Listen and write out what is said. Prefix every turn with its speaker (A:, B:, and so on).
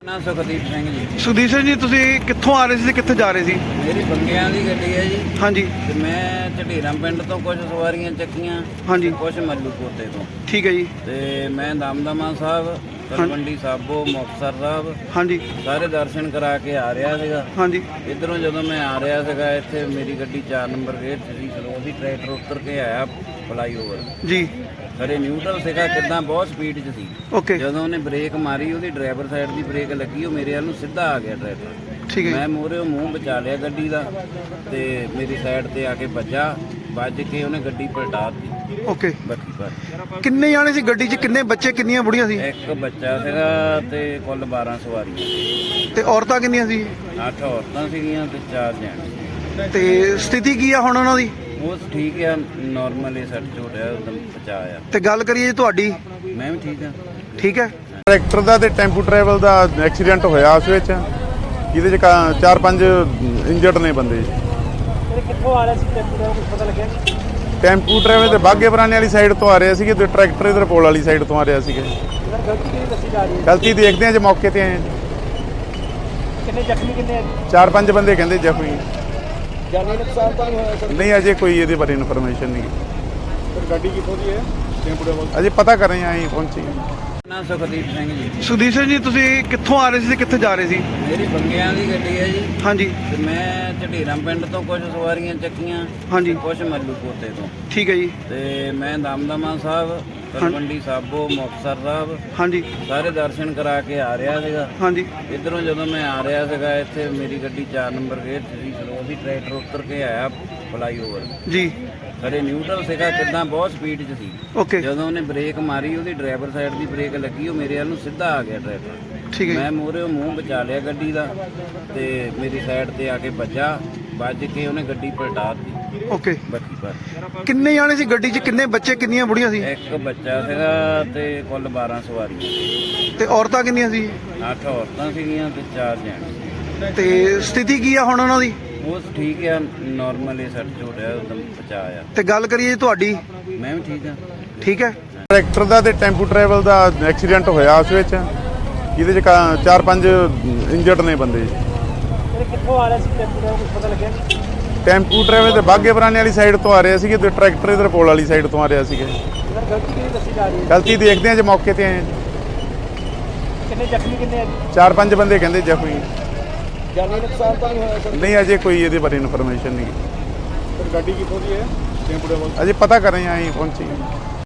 A: ਨਾ ਸੁਖਦੀਪ ਸਿੰਘ ਜੀ।
B: ਸੁਖਦੀਪ ਸਿੰਘ ਜੀ, ਤੁਸੀਂ ਕਿੱਥੋਂ ਆ ਰਹੇ ਸੀ ਤੇ ਕਿੱਥੇ ਜਾ ਰਹੇ ਸੀ?
A: ਮੇਰੀ ਬੰਗਿਆਂ ਦੀ ਗੱਡੀ ਹੈ ਜੀ।
B: ਹਾਂਜੀ
A: ਤੇ ਮੈਂ ਝਢੀਰਾਂ ਪਿੰਡ ਤੋਂ ਕੁਝ ਸਵਾਰੀਆਂ ਚੱਕੀਆਂ,
B: ਹਾਂਜੀ
A: ਕੁਝ ਮੱਲੂਪੋਤੇ ਤੋਂ।
B: ਠੀਕ ਹੈ ਜੀ।
A: ਤੇ ਮੈਂ ਦਮਦਮਾ ਸਾਹਿਬ, ਤਲਵੰਡੀ ਸਾਬੋ, ਮੁਕਤਸਰ ਸਾਹਿਬ
B: ਹਾਂਜੀ
A: ਸਾਰੇ ਦਰਸ਼ਨ ਕਰਾ ਕੇ ਆ ਰਿਹਾ ਸੀਗਾ।
B: ਹਾਂਜੀ
A: ਇੱਧਰੋਂ ਜਦੋਂ ਮੈਂ ਆ ਰਿਹਾ ਸੀਗਾ, ਇੱਥੇ ਮੇਰੀ ਗੱਡੀ 4 ਨੰਬਰ ਗੇਟ 'ਚ ਸੀ। ਫਿਰ ਉਹਦੀ ਟਰੈਕਟਰ ਉੱਤਰ ਕੇ ਆਇਆ ਫਲਾਈਓਵਰ।
B: ਜੀ
A: ਖਰੇ ਨਿਊਟਰਲ ਸੀਗਾ, ਕਿੱਦਾਂ ਬਹੁਤ ਸਪੀਡ 'ਚ ਸੀ।
B: ਓਕੇ
A: ਜਦੋਂ ਉਹਨੇ ਬ੍ਰੇਕ ਮਾਰੀ, ਉਹਦੀ ਡਰਾਈਵਰ ਸਾਈਡ ਦੀ ਬ੍ਰੇਕ ਲੱਗੀ, ਉਹ ਮੇਰੇ ਵੱਲ ਨੂੰ ਸਿੱਧਾ ਆ ਗਿਆ ਟਰੈਕਟਰ।
B: ਠੀਕ ਹੈ
A: ਮੈਂ ਮੂਹਰੇ ਮੂੰਹ ਬਚਾ ਲਿਆ ਗੱਡੀ ਦਾ, ਤੇ ਮੇਰੀ ਸਾਈਡ ਤੇ ਆ ਕੇ ਵੱਜ ਕੇ ਉਹਨੇ ਗੱਡੀ ਪਲਟਾ ਦਿੱਤੀ।
B: ਜੀ। ਓਕੇ,
A: ਬੱਕੀ ਪਰ
B: ਕਿੰਨੇ ਜਾਣੇ ਸੀ ਗੱਡੀ 'ਚ? ਕਿੰਨੇ ਬੱਚੇ, ਕਿੰਨੀਆਂ ਬੁੜੀਆਂ ਸੀ?
A: ਇੱਕ ਬੱਚਾ ਸੀਗਾ ਤੇ ਕੁੱਲ 12 ਸਵਾਰੀਆਂ।
B: ਤੇ ਔਰਤਾਂ ਕਿੰਨੀਆਂ ਸੀ?
A: 8 ਔਰਤਾਂ ਸੀਗੀਆਂ ਤੇ 4 ਜੈਂਟਸ।
B: ਤੇ ਸਥਿਤੀ ਕੀ ਆ ਹੁਣ ਉਹਨਾਂ ਦੀ?
A: ਉਹ ਠੀਕ ਆ, ਨਾਰਮਲ ਹੀ ਸੱਟ ਚੋਟ ਆ, ਉਦਮ ਬਚਾ ਆ।
B: ਤੇ ਗੱਲ ਕਰੀਏ ਜੀ ਤੁਹਾਡੀ,
A: ਮੈਂ ਵੀ ਠੀਕ ਆ।
B: ਠੀਕ ਹੈ।
C: ਟਰੈਕਟਰ ਦਾ ਤੇ ਟੈਂਪੂ ਟਰੈਵਲ ਦਾ ਐਕਸੀਡੈਂਟ ਹੋਇਆ ਉਸ ਵਿੱਚ, ਜਿਹਦੇ 'ਚ 4-5 ਇੰਜਰਡ ਨੇ ਬੰਦੇ।
B: ਕਿੱਥੋਂ ਆ ਰਹੇ ਸੀ ਟੈਂਪੂ ਦਾ, ਕੁਝ ਪਤਾ ਲੱਗਿਆ?
C: ਟੈਂਪੂ ਟਰੈਵਲ ਤੇ ਬਾਗੇ ਪੁਰਾਣੇ ਵਾਲੀ ਸਾਈਡ ਤੋਂ ਆ ਰਹੇ ਸੀਗੇ ਤੇ ਟਰੈਕਟਰ ਇਧਰ ਪੋਲ ਵਾਲੀ ਸਾਈਡ ਤੋਂ ਆ ਰਿਹਾ ਸੀਗਾ।
B: ਗਲਤੀ ਕਿਹਦੀ ਦੱਸੀ ਜਾ ਰਹੀ ਹੈ?
C: ਗਲਤੀ ਦੇਖਦੇ ਆ ਜੇ ਮੌਕੇ ਤੇ ਆਏ ਹਾਂ।
B: ਕਿੰਨੇ ਜ਼ਖਮੀ, ਕਿੰਨੇ
C: 4-5 ਬੰਦੇ ਕਹਿੰਦੇ ਜ਼ਖਮੀ।
B: ਜਾਨੀ ਨੁਕਸਾਨ ਤਾਂ ਨਹੀਂ ਹੋਇਆ ਸਰ?
C: ਨਹੀਂ, ਅਜੇ ਕੋਈ ਇਹਦੇ ਬਾਰੇ ਇਨਫੋਰਮੇਸ਼ਨ ਨਹੀਂ।
B: ਗੱਡੀ ਕਿੱਥੋਂ ਦੀ ਹੈ? ਟੈਂਪੂ ਦਾ
C: ਅਜੇ ਪਤਾ ਕਰ ਰਹੇ ਹਾਂ, ਅਸੀਂ ਪਹੁੰਚੇ।
A: ਨਾ ਸੁਖਦੀਪ ਸਿੰਘ ਜੀ।
B: ਸੁਖਦੀਪ ਸਿੰਘ ਜੀ, ਤੁਸੀਂ ਕਿੱਥੋਂ ਆ ਰਹੇ ਸੀ ਤੇ ਕਿੱਥੇ ਜਾ ਰਹੇ ਸੀ?
A: ਮੇਰੀ ਬੰਗਿਆਂ ਦੀ ਗੱਡੀ ਹੈ ਜੀ।
B: ਹਾਂਜੀ
A: ਤੇ ਮੈਂ ਝਢੀਰਾਂ ਪਿੰਡ ਤੋਂ ਕੁਝ ਸਵਾਰੀਆਂ ਚੱਕੀਆਂ,
B: ਹਾਂਜੀ
A: ਕੁਝ ਮੱਲੂਪੋਤੇ ਤੋਂ।
B: ਠੀਕ ਹੈ ਜੀ।
A: ਤੇ ਮੈਂ ਦਮਦਮਾ ਸਾਹਿਬ, ਤਲਵੰਡੀ ਸਾਬੋ, ਮੁਕਤਸਰ ਸਾਹਿਬ
B: ਹਾਂਜੀ
A: ਸਾਰੇ ਦਰਸ਼ਨ ਕਰਾ ਕੇ ਆ ਰਿਹਾ ਸੀਗਾ।
B: ਹਾਂਜੀ
A: ਇੱਧਰੋਂ ਜਦੋਂ ਮੈਂ ਆ ਰਿਹਾ ਸੀਗਾ, ਇੱਥੇ ਮੇਰੀ ਗੱਡੀ 4 ਨੰਬਰ ਗੇਟ 'ਚ ਸੀ। ਫਿਰ ਉਹਦੀ ਟਰੈਕਟਰ ਉੱਤਰ ਕੇ ਆਇਆ ਫਲਾਈਓਵਰ।
B: ਜੀ
A: ਖਰੇ ਨਿਊਟਰਲ ਸੀਗਾ, ਕਿੱਦਾਂ ਬਹੁਤ ਸਪੀਡ 'ਚ ਸੀ।
B: ਓਕੇ,
A: ਜਦੋਂ ਉਹਨੇ ਬ੍ਰੇਕ ਮਾਰੀ, ਉਹਦੀ ਡਰਾਈਵਰ ਸਾਈਡ ਦੀ ਬ੍ਰੇਕ ਲੱਗੀ, ਉਹ ਮੇਰੇ ਵੱਲ ਨੂੰ ਸਿੱਧਾ ਆ ਗਿਆ ਟਰੈਕਟਰ।
B: ਠੀਕ ਹੈ
A: ਮੈਂ ਮੂਹਰੇ ਮੂੰਹ ਬਚਾ ਲਿਆ ਗੱਡੀ ਦਾ, ਤੇ ਮੇਰੀ ਸਾਈਡ ਤੇ ਆ ਕੇ ਵੱਜ ਕੇ ਉਹਨੇ ਗੱਡੀ ਪਲਟਾ ਦਿੱਤੀ।
B: ਓਕੇ,
A: ਬੱਕੀ ਪਰ
B: ਕਿੰਨੇ ਜਾਣੇ ਸੀ ਗੱਡੀ 'ਚ? ਕਿੰਨੇ ਬੱਚੇ, ਕਿੰਨੀਆਂ ਬੁੜੀਆਂ ਸੀ?
A: ਇੱਕ ਬੱਚਾ ਸੀਗਾ ਤੇ ਕੁੱਲ 12 ਸਵਾਰੀਆਂ।
B: ਤੇ ਔਰਤਾਂ ਕਿੰਨੀਆਂ ਸੀ?
A: 8 ਔਰਤਾਂ ਸੀਗੀਆਂ ਤੇ 4 ਜੈਂਟਸ।
B: ਤੇ ਸਥਿਤੀ ਕੀ ਆ ਹੁਣ ਉਹਨਾਂ ਦੀ?
A: ਉਹ ਠੀਕ ਆ, ਨਾਰਮਲ ਹੀ ਸੱਟ ਚੋਟ ਆ, ਉਦਮ ਬਚਾ ਆ।
B: ਤੇ ਗੱਲ ਕਰੀਏ ਜੀ ਤੁਹਾਡੀ,
A: ਮੈਂ ਵੀ ਠੀਕ ਆ।
B: ਠੀਕ ਹੈ।
C: ਟਰੈਕਟਰ ਦਾ ਤੇ ਟੈਂਪੂ ਟਰੈਵਲ ਦਾ ਐਕਸੀਡੈਂਟ ਹੋਇਆ ਉਸ ਵਿੱਚ, ਜਿਹਦੇ 'ਚ 4-5 ਇੰਜਰਡ ਨੇ ਬੰਦੇ।
B: ਕਿੱਥੋਂ ਆ ਰਹੇ ਸੀ ਟੈਂਪੂ ਦਾ, ਕੁਝ ਪਤਾ ਲੱਗਿਆ?
C: ਟੈਂਪੂ ਟਰੈਵਲ ਤੇ ਬਾਗੇ ਪੁਰਾਣੇ ਵਾਲੀ ਸਾਈਡ ਤੋਂ ਆ ਰਹੇ ਸੀਗੇ ਤੇ ਟਰੈਕਟਰ ਇਧਰ ਪੋਲ ਵਾਲੀ ਸਾਈਡ ਤੋਂ ਆ ਰਿਹਾ ਸੀਗਾ।
B: ਗਲਤੀ ਕਿਹਦੀ ਦੱਸੀ ਜਾ ਰਹੀ ਹੈ?
C: ਗਲਤੀ ਦੇਖਦੇ ਆ ਜੇ ਮੌਕੇ ਤੇ ਆਏ ਹਾਂ।
B: ਕਿੰਨੇ ਜ਼ਖਮੀ, ਕਿੰਨੇ
C: 4-5 ਬੰਦੇ ਕਹਿੰਦੇ ਜ਼ਖਮੀ।
B: ਜਾਨੀ ਨੁਕਸਾਨ ਤਾਂ ਨਹੀਂ ਹੋਇਆ ਸਰ?
C: ਨਹੀਂ, ਅਜੇ ਕੋਈ ਇਹਦੇ ਬਾਰੇ ਇਨਫੋਰਮੇਸ਼ਨ ਨਹੀਂ।
B: ਗੱਡੀ ਕਿੱਥੋਂ ਦੀ ਹੈ? ਟੈਂਪੂ ਦਾ
C: ਅਜੇ ਪਤਾ ਕਰ ਰਹੇ ਹਾਂ, ਅਸੀਂ ਪਹੁੰਚੇ।